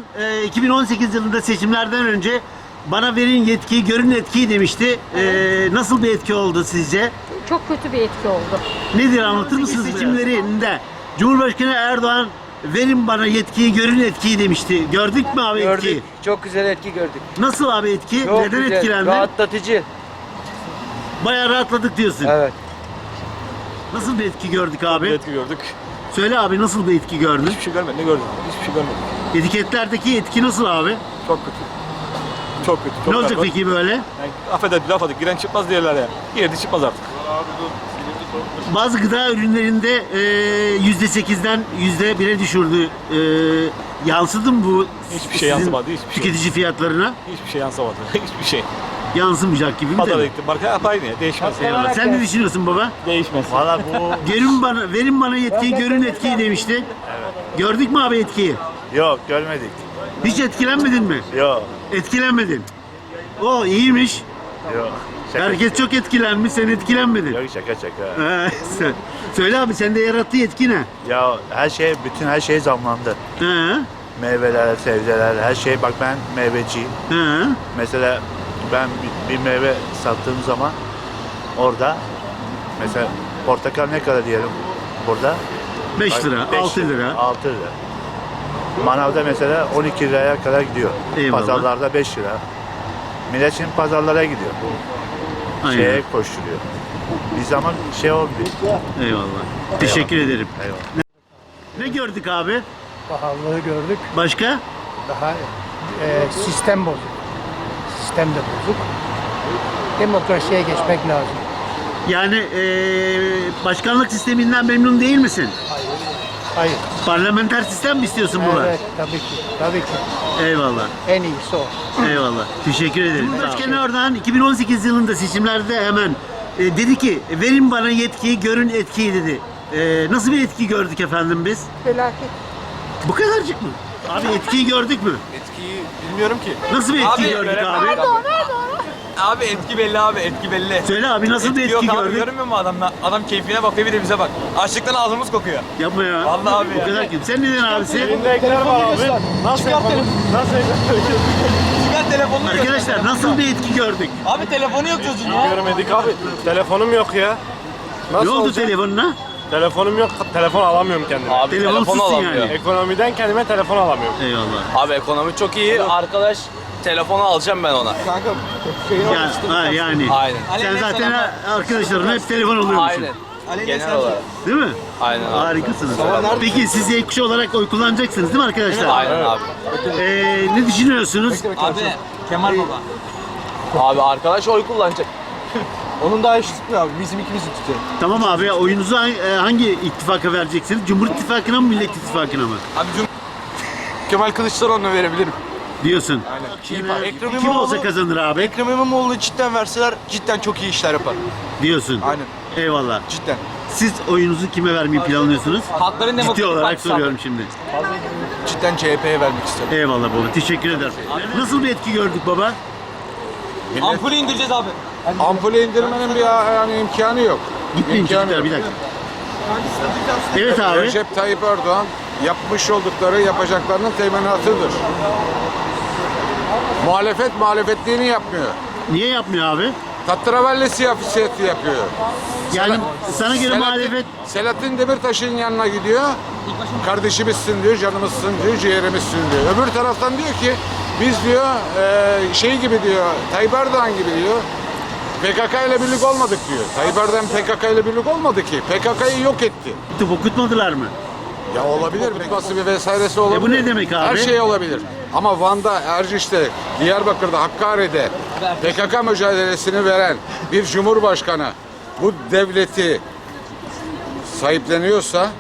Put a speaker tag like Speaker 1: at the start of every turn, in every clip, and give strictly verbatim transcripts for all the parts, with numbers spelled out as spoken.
Speaker 1: e, iki bin on sekiz yılında seçimlerden önce bana verin yetkiyi, görün etkiyi demişti. E, nasıl bir etki oldu sizce?
Speaker 2: Çok kötü bir etki oldu.
Speaker 1: Nedir, anlatır mısınız? Seçimlerinde Cumhurbaşkanı Erdoğan verin bana yetkiyi, görün etkiyi demişti. Gördük mü abi
Speaker 3: Gördük.
Speaker 1: etkiyi?
Speaker 3: Çok güzel etki gördük.
Speaker 1: Nasıl abi etki?
Speaker 3: Çok
Speaker 1: Neden
Speaker 3: güzel.
Speaker 1: etkilendin?
Speaker 3: Rahatlatıcı.
Speaker 1: Bayağı rahatladık diyorsun.
Speaker 3: Evet.
Speaker 1: Nasıl bir etki gördük abi?
Speaker 4: Bir etki gördük.
Speaker 1: Söyle abi, nasıl bir etki gördün?
Speaker 4: Hiçbir şey görmedim. Ne gördüm? Hiçbir şey görmedim.
Speaker 1: Etiketlerdeki etki nasıl abi?
Speaker 4: Çok kötü. Çok kötü. Çok
Speaker 1: Ne olacak
Speaker 4: berbat.
Speaker 1: peki böyle?
Speaker 4: Yani, affedersin laf adık. Giren çıkmaz diyorlar ya. Girdi çıkmaz artık.
Speaker 1: Bazı gıda ürünlerinde e, yüzde sekizden yüzde bire düşürdü. E, yansıdı mı bu?
Speaker 4: Hiçbir şey
Speaker 1: sizin
Speaker 4: yansımadı, hiçbir şey.
Speaker 1: tüketici fiyatlarına?
Speaker 4: Hiçbir şey yansımadı. Hiçbir şey.
Speaker 1: Yansımayacak gibi mi?
Speaker 4: Pazara
Speaker 1: de?
Speaker 4: gittim. Marka hep aynı ya. Değişmez.
Speaker 1: Eyvallah. Sen ne düşünüyorsun baba?
Speaker 4: Değişmez.
Speaker 5: Valla bu
Speaker 1: Görün bana, verin bana yetkiyi, görün etkiyi demişti. Evet. Gördük mü abi etkiyi?
Speaker 5: yok görmedik.
Speaker 1: Hiç etkilenmedin mi?
Speaker 5: Yok
Speaker 1: Etkilenmedin. O iyiymiş.
Speaker 5: yok. Şaka.
Speaker 1: Herkes çok etkilenmiş, sen etkilenmedin.
Speaker 5: Yok şaka şaka.
Speaker 1: He, sen- Söyle abi, sende yarattığı etki ne?
Speaker 5: Ya her şey, bütün her şey zamlandı.
Speaker 1: He,
Speaker 5: Meyveler, sebzeler, her şey. Bak ben meyveciyim.
Speaker 1: he.
Speaker 5: Mesela ben bir, bir meyve sattığım zaman orada mesela portakal ne kadar diyelim burada?
Speaker 1: beş lira,
Speaker 5: Beş
Speaker 1: altı lira.
Speaker 5: altı lira. Manavda mesela on iki liraya kadar gidiyor.
Speaker 1: Eyvallah.
Speaker 5: Pazarlarda beş lira. Millet şimdi pazarlara gidiyor.
Speaker 1: Aynen.
Speaker 5: Şeye koşturuyor. Bir zaman şey olmuyor.
Speaker 1: Eyvallah. Teşekkür ederim.
Speaker 5: Eyvallah.
Speaker 1: Ne gördük abi?
Speaker 6: Pahalılığı gördük.
Speaker 1: Başka?
Speaker 6: Daha e, sistem bozuk. Sistem de bozuk. Demokrasiye geçmek lazım.
Speaker 1: Yani eee, başkanlık sisteminden memnun değil misin?
Speaker 6: Hayır.
Speaker 1: Parlamenter sistem mi istiyorsun buna?
Speaker 6: Evet, tabii ki. Tabii ki.
Speaker 1: Eyvallah.
Speaker 6: En iyisi o.
Speaker 1: Eyvallah. Teşekkür ederim. Cumhurbaşkanı Erdoğan iki bin on sekiz yılında seçimlerde hemen e, dedi ki verin bana yetkiyi, görün etkiyi dedi. E, nasıl bir etki gördük efendim biz?
Speaker 2: Felaket.
Speaker 1: Bu kadarcık mı? Abi etkiyi gördük mü?
Speaker 4: Etkiyi bilmiyorum ki.
Speaker 1: Nasıl bir etki
Speaker 7: Abi,
Speaker 1: gördük
Speaker 7: öğretmen-
Speaker 1: abi?
Speaker 7: Abi etki belli abi, etki belli.
Speaker 1: Söyle abi, nasıl bir etki
Speaker 7: yok abi,
Speaker 1: gördük?
Speaker 7: görmüyor musun adam? Adam keyfine bakıyor, bir de bize bak. Açlıktan ağzımız kokuyor.
Speaker 1: Yapma ya.
Speaker 7: Vallahi abi
Speaker 1: Bu
Speaker 7: ya.
Speaker 1: kadar kötü. Sen neden abisi?
Speaker 4: Ekler var abi. Nasıl yapalım? Nasıl
Speaker 7: Çıkar telefonunu göster.
Speaker 1: Arkadaşlar nasıl bir etki gördük?
Speaker 7: Abi telefonu yok çocuğun ya.
Speaker 4: Görmedik abi. Telefonum yok ya.
Speaker 1: Ne oldu telefonuna?
Speaker 4: Telefonum yok. Telefon alamıyorum kendime.
Speaker 7: Abi
Speaker 1: Telefonsuzsun
Speaker 7: telefon alamıyor.
Speaker 1: yani.
Speaker 4: Ekonomiden kendime telefon alamıyorum.
Speaker 1: Eyvallah.
Speaker 7: Abi ekonomi çok iyi. Arkadaş telefonu alacağım ben ona.
Speaker 1: Yani, ha, yani.
Speaker 7: Aynen.
Speaker 1: Sen zaten arkadaşların hep telefon oluyormuşsun.
Speaker 7: Aynen. Genel olarak.
Speaker 1: Değil mi?
Speaker 7: Aynen abi.
Speaker 1: Harikasınız. Peki siz Z kuşağı olarak oy kullanacaksınız değil mi arkadaşlar?
Speaker 7: Aynen abi.
Speaker 1: Ee, ne düşünüyorsunuz?
Speaker 7: Abi Kemal Baba. Abi arkadaş oy kullanacak.
Speaker 3: Onun daha işi tutmuyor abi. Bizim ikimizi tutuyor.
Speaker 1: Tamam abi, oyunuzu hangi, e, hangi ittifaka vereceksiniz? Cumhur İttifakı'na mı, Millet İttifakı'na mı?
Speaker 3: Abi Cum Kemal Kılıçdaroğlu'na verebilirim.
Speaker 1: Diyorsun.
Speaker 3: Aynen.
Speaker 1: Ee,
Speaker 3: Ekrem
Speaker 1: Kim
Speaker 3: İmamoğlu-
Speaker 1: olsa kazanır abi
Speaker 3: Ekrem İmamoğlu'nu cidden verseler cidden çok iyi işler yapar.
Speaker 1: diyorsun.
Speaker 3: Aynen.
Speaker 1: Eyvallah.
Speaker 3: Cidden.
Speaker 1: Siz oyunuzu kime vermeyi planlıyorsunuz?
Speaker 7: Halkların
Speaker 1: Ciddi
Speaker 7: Demokratik
Speaker 1: olarak
Speaker 7: Partisi abi.
Speaker 1: soruyorum şimdi.
Speaker 3: Cidden C H P'ye vermek istiyorum.
Speaker 1: Eyvallah baba. Teşekkür ederim. Nasıl bir etki gördük baba?
Speaker 7: Ampulü indireceğiz abi.
Speaker 8: Ampulü indirmenin bir yani imkanı yok.
Speaker 1: Gitmeyin
Speaker 8: İmkanı
Speaker 1: çocuklar,
Speaker 8: yok.
Speaker 1: bir dakika. Evet abi.
Speaker 8: Recep Tayyip Erdoğan yapmış oldukları yapacaklarının teminatıdır. Muhalefet muhalefetliğini yapmıyor.
Speaker 1: Niye yapmıyor abi?
Speaker 8: Tatravalli siyaseti yapıyor.
Speaker 1: Yani sana göre
Speaker 8: Selahattin-
Speaker 1: muhalefet
Speaker 8: Selahattin Demirtaş'ın yanına gidiyor. Kardeşimizsin diyor, canımızsın diyor, ciğerimizsin diyor. Öbür taraftan diyor ki biz diyor e, şey gibi diyor, Tayyip Erdoğan gibi diyor. P K K ile birlik olmadık diyor. Tayyip Erdoğan P K K ile birlik olmadı ki. P K K'yı yok etti.
Speaker 1: tıp okutmadılar mı?
Speaker 8: Ya olabilir, bitması bir vesairesi olabilir.
Speaker 1: E bu ne demek abi?
Speaker 8: Her şey olabilir. Ama Van'da, Erciş'te, Diyarbakır'da, Hakkari'de P K K mücadelesini veren bir cumhurbaşkanı bu devleti sahipleniyorsa,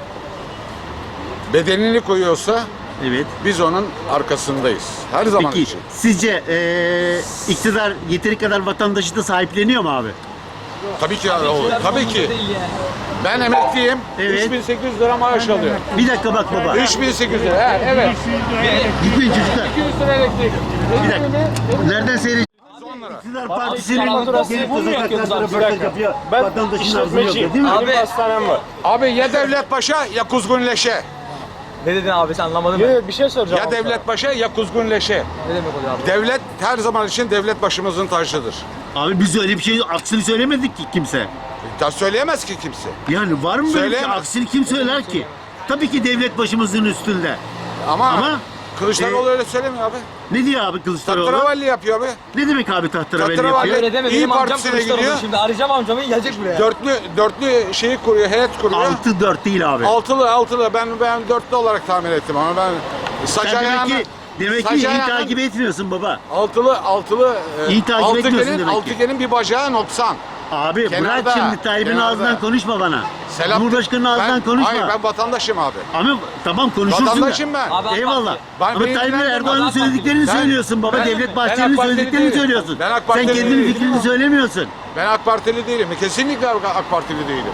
Speaker 8: bedenini koyuyorsa
Speaker 1: Evet.
Speaker 8: biz onun arkasındayız. Her zaman
Speaker 1: Peki
Speaker 8: için.
Speaker 1: sizce eee iktidar yeteri kadar vatandaşı da sahipleniyor mu abi?
Speaker 8: Tabii ki olur. Tabii ki. Ben emekliyim.
Speaker 1: Evet.
Speaker 8: üç bin sekiz yüz lira maaş alıyorum.
Speaker 1: Bir dakika bak baba.
Speaker 8: üç bin sekiz yüz lira. Ha, evet.
Speaker 1: Gitmeyin çocuklar.
Speaker 8: iki yüz lira elektrik.
Speaker 1: Bir dakika. Nereden seyredeceğiz? İktidar Partisi'nin gelip de sokaklarda röportaj yapıyor. Vatandaşın ağzını yapıyor değil mi?
Speaker 7: Abi
Speaker 4: Hastanem var.
Speaker 8: Abi ya Devlet Paşa ya Kuzgun Leşe.
Speaker 7: Ne dedin abi sen anlamadın mı?
Speaker 4: Evet bir şey soracağım.
Speaker 8: Ya devlet başa ya kuzgun leşe.
Speaker 7: Ne demek oluyor abi?
Speaker 8: Devlet her zaman için devlet başımızın tacıdır.
Speaker 1: Abi biz öyle bir şey aksini söylemedik ki kimse.
Speaker 8: Ya söyleyemez ki kimse.
Speaker 1: Yani var mı böyle bir şey?
Speaker 8: Söyleyemez.
Speaker 1: Aksini kim söyler ki? Tabii ki devlet başımızın üstünde.
Speaker 8: Ama,
Speaker 1: Ama
Speaker 8: Kılıçdaroğlu
Speaker 1: e,
Speaker 8: öyle söylemiyor abi.
Speaker 1: Ne diyor abi Kılıçdaroğlu?
Speaker 8: Tatravalli yapıyor abi.
Speaker 1: Ne demek abi tahterevalli
Speaker 8: Tahterevalli-
Speaker 1: yapıyor?
Speaker 7: Öyle deme
Speaker 8: İyi
Speaker 7: benim amcam
Speaker 8: Partisi'ne
Speaker 7: Kılıçdaroğlu
Speaker 8: gidiyor.
Speaker 7: şimdi arayacağım amcamı gelecek buraya.
Speaker 8: Dörtlü dörtlü şeyi kuruyor, heyet kuruyor.
Speaker 1: altı dört değil abi.
Speaker 8: Altılı altılı ben ben dörtlü olarak tahmin ettim ama ben saç
Speaker 1: Sen demek
Speaker 8: ayağını
Speaker 1: ki, demek
Speaker 8: saç
Speaker 1: ki iyi
Speaker 8: ayağını-
Speaker 1: takip etmiyorsun baba.
Speaker 8: altılı altılı e,
Speaker 1: İyi takip etmiyorsun
Speaker 8: altıgenin
Speaker 1: demek ki.
Speaker 8: altıgenin bir bacağı noksan.
Speaker 1: Abi
Speaker 8: Kenarda,
Speaker 1: bırak şimdi Tayyip'in
Speaker 8: kenarda.
Speaker 1: ağzından konuşma bana.
Speaker 8: Selam.
Speaker 1: Cumhurbaşkanı'nın ağzından
Speaker 8: Ben-
Speaker 1: konuşma.
Speaker 8: Hayır ben vatandaşım abi.
Speaker 1: Ama tamam konuşursun da.
Speaker 8: Vatandaşım ben.
Speaker 7: Abi, AK
Speaker 1: Eyvallah.
Speaker 7: Parti.
Speaker 8: Ben-
Speaker 1: Ama
Speaker 8: beni
Speaker 1: Tayyip
Speaker 8: ilgilendirmez.
Speaker 1: Erdoğan'ın
Speaker 7: AK Parti.
Speaker 1: söylediklerini
Speaker 8: Ben-
Speaker 1: söylüyorsun baba.
Speaker 8: ben-
Speaker 1: Devlet
Speaker 8: ben
Speaker 1: Bahçeli'nin
Speaker 8: AK Partili
Speaker 1: söylediklerini
Speaker 8: değilim.
Speaker 1: söylüyorsun.
Speaker 8: Ben AK
Speaker 1: Sen
Speaker 8: Partili
Speaker 1: kendinin
Speaker 8: değilim.
Speaker 1: fikrini söylemiyorsun.
Speaker 8: Ben AK Partili değilim. Kesinlikle AK Partili değilim.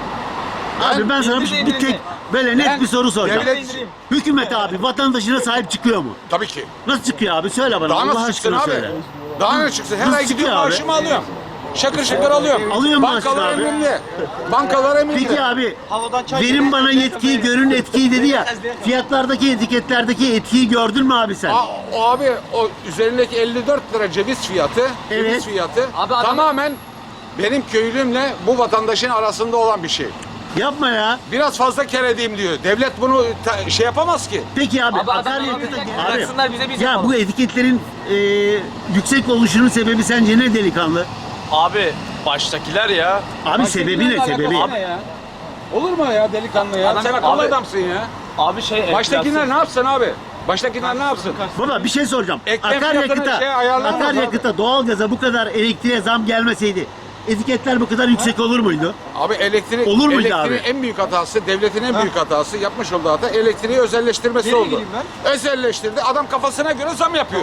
Speaker 1: Abi ben sana bir,
Speaker 7: indir,
Speaker 1: bir
Speaker 7: indir,
Speaker 1: tek
Speaker 7: indir.
Speaker 1: böyle net
Speaker 8: Ben
Speaker 1: bir soru soracağım.
Speaker 8: devlet-
Speaker 1: Hükümet abi vatandaşına sahip çıkıyor mu?
Speaker 8: Tabii ki.
Speaker 1: Nasıl çıkıyor abi? Söyle bana.
Speaker 8: Daha
Speaker 1: Allah
Speaker 8: nasıl çıksın
Speaker 1: aşkına
Speaker 8: abi?
Speaker 1: söyle.
Speaker 8: Daha ne çıksın? Her
Speaker 1: Nasıl
Speaker 8: ay gidiyorum
Speaker 1: çıkıyor abi?
Speaker 8: maaşımı alıyorum. Şakır şakır alıyorum.
Speaker 1: Alıyor mu
Speaker 8: Bankalar
Speaker 1: maaşını abi?
Speaker 8: emrinde. Bankalar emrinde.
Speaker 1: Peki abi verin bana yetkiyi görün etkiyi dedi ya. Fiyatlardaki etiketlerdeki etkiyi gördün mü abi sen?
Speaker 8: A- o abi o üzerindeki elli dört lira ceviz fiyatı,
Speaker 1: Evet.
Speaker 8: ceviz fiyatı
Speaker 7: Abi adam-
Speaker 8: tamamen benim köylümle bu vatandaşın arasında olan bir şey.
Speaker 1: Yapma ya.
Speaker 8: Biraz fazla kere edeyim diyor. Devlet bunu ta- şey yapamaz ki.
Speaker 1: Peki abi,
Speaker 7: Abi adam
Speaker 1: akaryakıta
Speaker 7: abi, bıraksınlar bize, biz
Speaker 1: ya
Speaker 7: yapalım.
Speaker 1: bu etiketlerin e, yüksek oluşunun sebebi sence ne delikanlı?
Speaker 4: Abi baştakiler ya.
Speaker 1: Abi sebebi ne sebebi?
Speaker 8: Olur mu ya delikanlı ya?
Speaker 7: Adam-
Speaker 8: Sen akıllı
Speaker 7: abi-
Speaker 8: adamsın ya.
Speaker 7: Abi şey
Speaker 8: Baştakiler ne yapsın abi? Baştakiler ne yapsın?
Speaker 1: Baba bir şey soracağım.
Speaker 8: Eklem fiyatını
Speaker 1: Akaryakıta,
Speaker 8: şey ayarlamaz
Speaker 1: akaryakıta, doğalgaza bu kadar elektriğe zam gelmeseydi etiketler bu kadar yüksek olur muydu?
Speaker 8: Abi elektrik,
Speaker 1: Olur muydu
Speaker 8: elektriğin
Speaker 1: abi?
Speaker 8: en büyük hatası, devletin en büyük hatası, yapmış olduğu hata elektriği özelleştirmesi oldu. Özelleştirdi, adam kafasına göre zam yapıyor.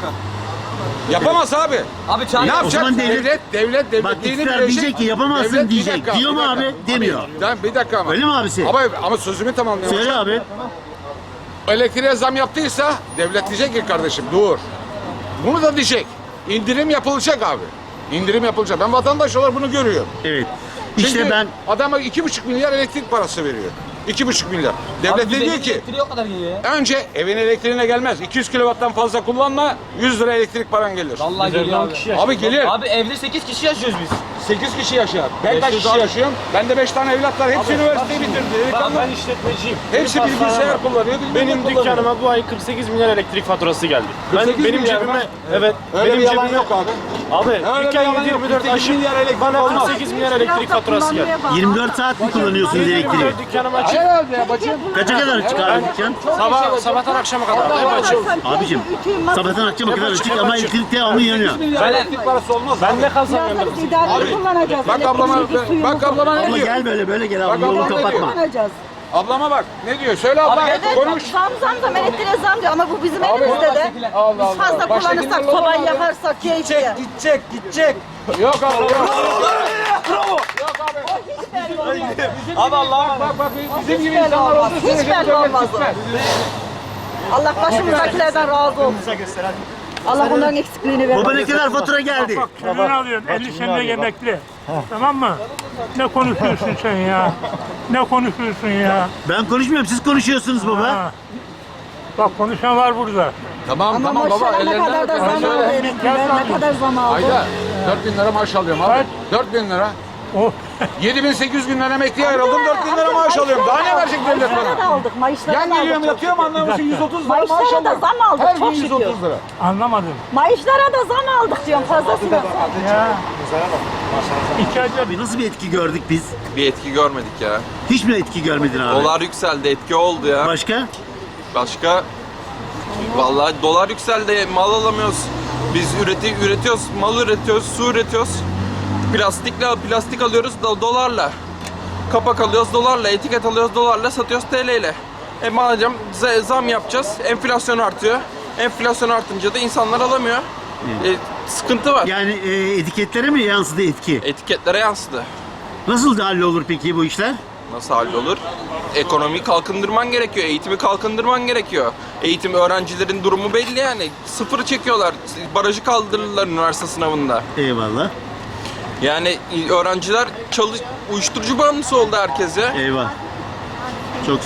Speaker 8: Yapamaz abi.
Speaker 7: Abi çağır.
Speaker 8: Ne yapacak?
Speaker 1: zaman devlet-
Speaker 8: devlet, devlet, devlet,
Speaker 1: Bak
Speaker 8: devletliğini
Speaker 1: iktidar
Speaker 8: bilecek.
Speaker 1: diyecek ki yapamazsın
Speaker 8: Devlet- bir
Speaker 1: diyecek.
Speaker 8: dakika,
Speaker 1: Diyor
Speaker 8: bir
Speaker 1: mu
Speaker 8: dakika.
Speaker 1: abi? Demiyor.
Speaker 8: Ben bir dakika ama.
Speaker 1: Öyle mi abisi?
Speaker 8: Ama, ama sözümü tamamlayayım.
Speaker 1: Söyle abi.
Speaker 8: Elektriğe zam yaptıysa devlet diyecek ki kardeşim dur. Bunu da diyecek. İndirim yapılacak abi. İndirim yapılacak. Ben vatandaş olarak bunu görüyorum.
Speaker 1: Evet.
Speaker 8: Çünkü
Speaker 1: İşte ben
Speaker 8: adama iki buçuk milyar elektrik parası veriyor. İki buçuk milyar. Devlet de diyor ki
Speaker 7: o kadar geliyor ya.
Speaker 8: önce evin elektriğine gelmez. iki yüz kilovattan fazla kullanma yüz lira elektrik paran gelir.
Speaker 7: Vallahi geliyor abi.
Speaker 8: Abi gelir.
Speaker 7: Abi evde sekiz kişi yaşıyoruz biz.
Speaker 8: sekiz kişi yaşar. Ben kaç
Speaker 7: Yaşıyoruz
Speaker 8: kişi
Speaker 7: abi.
Speaker 8: yaşıyorum? Ben de beş tane evlat var. Hepsi üniversiteyi bitirdi. Delikanlı.
Speaker 9: Ben işletmeciyim.
Speaker 8: Hepsi
Speaker 9: Benim
Speaker 8: bilgisayar
Speaker 9: hastanem var.
Speaker 8: kullanıyor. bilmem ne
Speaker 9: Benim
Speaker 8: kullanıyor.
Speaker 9: dükkanıma bu ay kırk sekiz milyar elektrik faturası geldi.
Speaker 8: kırk sekiz
Speaker 9: Ben benim
Speaker 8: milyar
Speaker 9: cebime
Speaker 8: mı?
Speaker 9: evet
Speaker 8: Öyle
Speaker 9: benim
Speaker 8: bir yalan
Speaker 9: cebime
Speaker 8: yok abi.
Speaker 9: Abi
Speaker 8: Öyle bir
Speaker 9: dükkan
Speaker 8: yalan yok.
Speaker 9: yirmi dört
Speaker 8: kırk sekiz
Speaker 9: aşık
Speaker 8: milyar elektrik
Speaker 9: bana
Speaker 8: olmaz.
Speaker 9: kırk sekiz milyar elektrik faturası geldi.
Speaker 1: yirmi dört saat mi kullanıyorsunuz elektriği?
Speaker 9: Ben dükkanımı açık.
Speaker 8: Herhalde ya bacım.
Speaker 1: Kaça kadar çıkar abi dükkan?
Speaker 9: Sabah sabahtan akşama kadar hep açık.
Speaker 1: Abicim sabahtan akşama kadar açık ama elektrik devamlı yanıyor.
Speaker 8: milyar elektrik parası olmaz.
Speaker 9: Ben ne kazanıyorum?
Speaker 2: Biraz da biz idareli kullanacağız.
Speaker 8: Bak ablama,
Speaker 2: Elektriğimizi, suyumuzu
Speaker 8: bak ablama ne
Speaker 1: Abla
Speaker 8: diyor?
Speaker 1: gel böyle böyle gel
Speaker 8: Bak
Speaker 1: abi yolu
Speaker 8: abla ne
Speaker 1: kapatma.
Speaker 2: kullanacağız.
Speaker 8: Ablama bak. Ne diyor? Söyle abla.
Speaker 7: Evet,
Speaker 8: Konuş.
Speaker 2: Zam zam zam elektriğe zam diyor ama bu bizim
Speaker 8: Abi,
Speaker 2: elimizde de.
Speaker 8: Allah
Speaker 2: Biz
Speaker 8: Allah.
Speaker 2: fazla
Speaker 8: Baştakiler
Speaker 2: kullanırsak,
Speaker 8: olur
Speaker 2: sobayı
Speaker 8: abi.
Speaker 2: yakarsak keyfiye.
Speaker 7: Gidecek, gidecek.
Speaker 8: Yok abla. Yok.
Speaker 7: Abi Allah'ım.
Speaker 8: Bak bak bizim gibi
Speaker 2: Hiç belli
Speaker 8: insanlar
Speaker 2: olmaz.
Speaker 8: olduğu
Speaker 2: Hiç
Speaker 8: sürece
Speaker 2: belli
Speaker 8: devlet
Speaker 2: olmaz.
Speaker 8: gitmez.
Speaker 2: Allah başımızdakilerden razı olsun. Allah bunların eksikliğini vermesin.
Speaker 1: Baba ne kadar fatura geldi?
Speaker 10: Sen ne alıyorsun? elli senelik emekli. Tamam mı? Ne konuşuyorsun sen ya? Ne konuşuyorsun ya?
Speaker 1: Ben konuşmuyorum siz konuşuyorsunuz baba.
Speaker 10: Ha. Bak konuşan var burada.
Speaker 8: Tamam
Speaker 2: Ama
Speaker 8: tamam baba.
Speaker 2: maşallah ne kadar da zam aldı emekliler, ne kadar zam aldı.
Speaker 8: Ayda dört bin lira maaş alıyorum abi. dört bin lira.
Speaker 10: Oh.
Speaker 8: yedi bin sekiz yüz günden emekliye ayrıldım. dört bin lira maaş alıyorum. Daha ne verecek devlet
Speaker 2: Maişlara da
Speaker 8: bana?
Speaker 2: aldık, maişlara
Speaker 8: Yan
Speaker 2: da
Speaker 8: geliyorum
Speaker 2: aldık.
Speaker 8: yatıyorum anlamıyorsun yüz otuz lira maaş
Speaker 2: Maaşlara da
Speaker 8: alıyorum.
Speaker 2: zam aldık,
Speaker 8: Her
Speaker 2: çok
Speaker 8: gün yüz
Speaker 2: şükür.
Speaker 8: otuz lira.
Speaker 10: Anlamadım.
Speaker 2: Maaşlara da zam aldık diyorum fazlasını.
Speaker 10: Ya. İki ayda
Speaker 1: Abi nasıl bir etki gördük biz?
Speaker 4: Bir etki görmedik ya.
Speaker 1: Hiç mi etki görmedin abi?
Speaker 4: Dolar yükseldi, etki oldu ya.
Speaker 1: Başka?
Speaker 4: Başka? Vallahi dolar yükseldi, mal alamıyoruz. Biz üreti, üretiyoruz, mal üretiyoruz, su üretiyoruz. Plastikle, plastik alıyoruz da dolarla. Kapak alıyoruz dolarla, etiket alıyoruz dolarla, satıyoruz T L ile. E madem z- zam yapacağız, enflasyon artıyor. Enflasyon artınca da insanlar alamıyor. E, sıkıntı var.
Speaker 1: Yani e, etiketlere mi yansıdı etki?
Speaker 4: Etiketlere yansıdı.
Speaker 1: Nasıl hallolur peki bu işler?
Speaker 4: Nasıl hallolur? Ekonomiyi kalkındırman gerekiyor, eğitimi kalkındırman gerekiyor. Eğitim öğrencilerin durumu belli yani. Sıfırı çekiyorlar, barajı kaldırırlar üniversite sınavında.
Speaker 1: Eyvallah.
Speaker 4: Yani öğrenciler çalış uyuşturucu bağımlısı oldu herkes ya.
Speaker 1: Eyvah. Çok fena.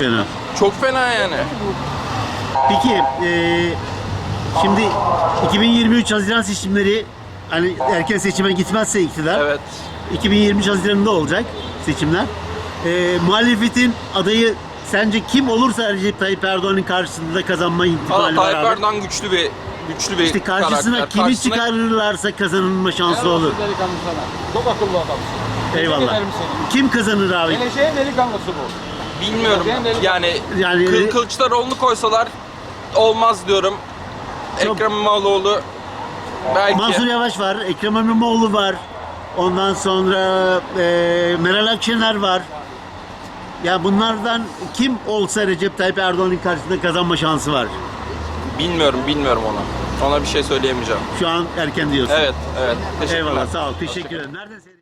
Speaker 4: Çok fena yani.
Speaker 1: Peki eee, şimdi iki bin yirmi üç Haziran seçimleri, hani erken seçime gitmezse iktidar,
Speaker 4: Evet.
Speaker 1: iki bin yirmi üç Haziran'da olacak seçimler. Eee muhalefetin adayı sence kim olursa Recep Tayyip Erdoğan'ın karşısında kazanma
Speaker 4: Valla
Speaker 1: ihtimali var
Speaker 4: Tayyip
Speaker 1: abi?
Speaker 4: Erdoğan güçlü bir güçlü bir
Speaker 1: İşte karşısına
Speaker 4: karakter.
Speaker 1: kimi
Speaker 4: Karşısına-
Speaker 1: çıkarırlarsa kazanılma şansı olur.
Speaker 9: Delikanlı sana. Çok akıllı adamsın.
Speaker 1: Eyvallah.
Speaker 9: Tebrik ederim seni.
Speaker 1: Kim kazanır abi?
Speaker 9: Geleceğin delikanlısı bu.
Speaker 4: Bilmiyorum. Yani,
Speaker 1: Yani
Speaker 4: Kıl, Kılıçdaroğlu'nu koysalar olmaz diyorum.
Speaker 1: Çok-
Speaker 4: Ekrem İmamoğlu belki.
Speaker 1: Mansur Yavaş var, Ekrem İmamoğlu var. Ondan sonra eee Meral Akşener var. Ya bunlardan kim olsa Recep Tayyip Erdoğan'ın karşısında kazanma şansı var.
Speaker 4: Bilmiyorum, bilmiyorum ona. Ona bir şey söyleyemeyeceğim.
Speaker 1: Şu an erken diyorsun.
Speaker 4: Evet, evet. Teşekkürler.
Speaker 1: Eyvallah, sağ ol. Teşekkür ederim. Nereden seyredin?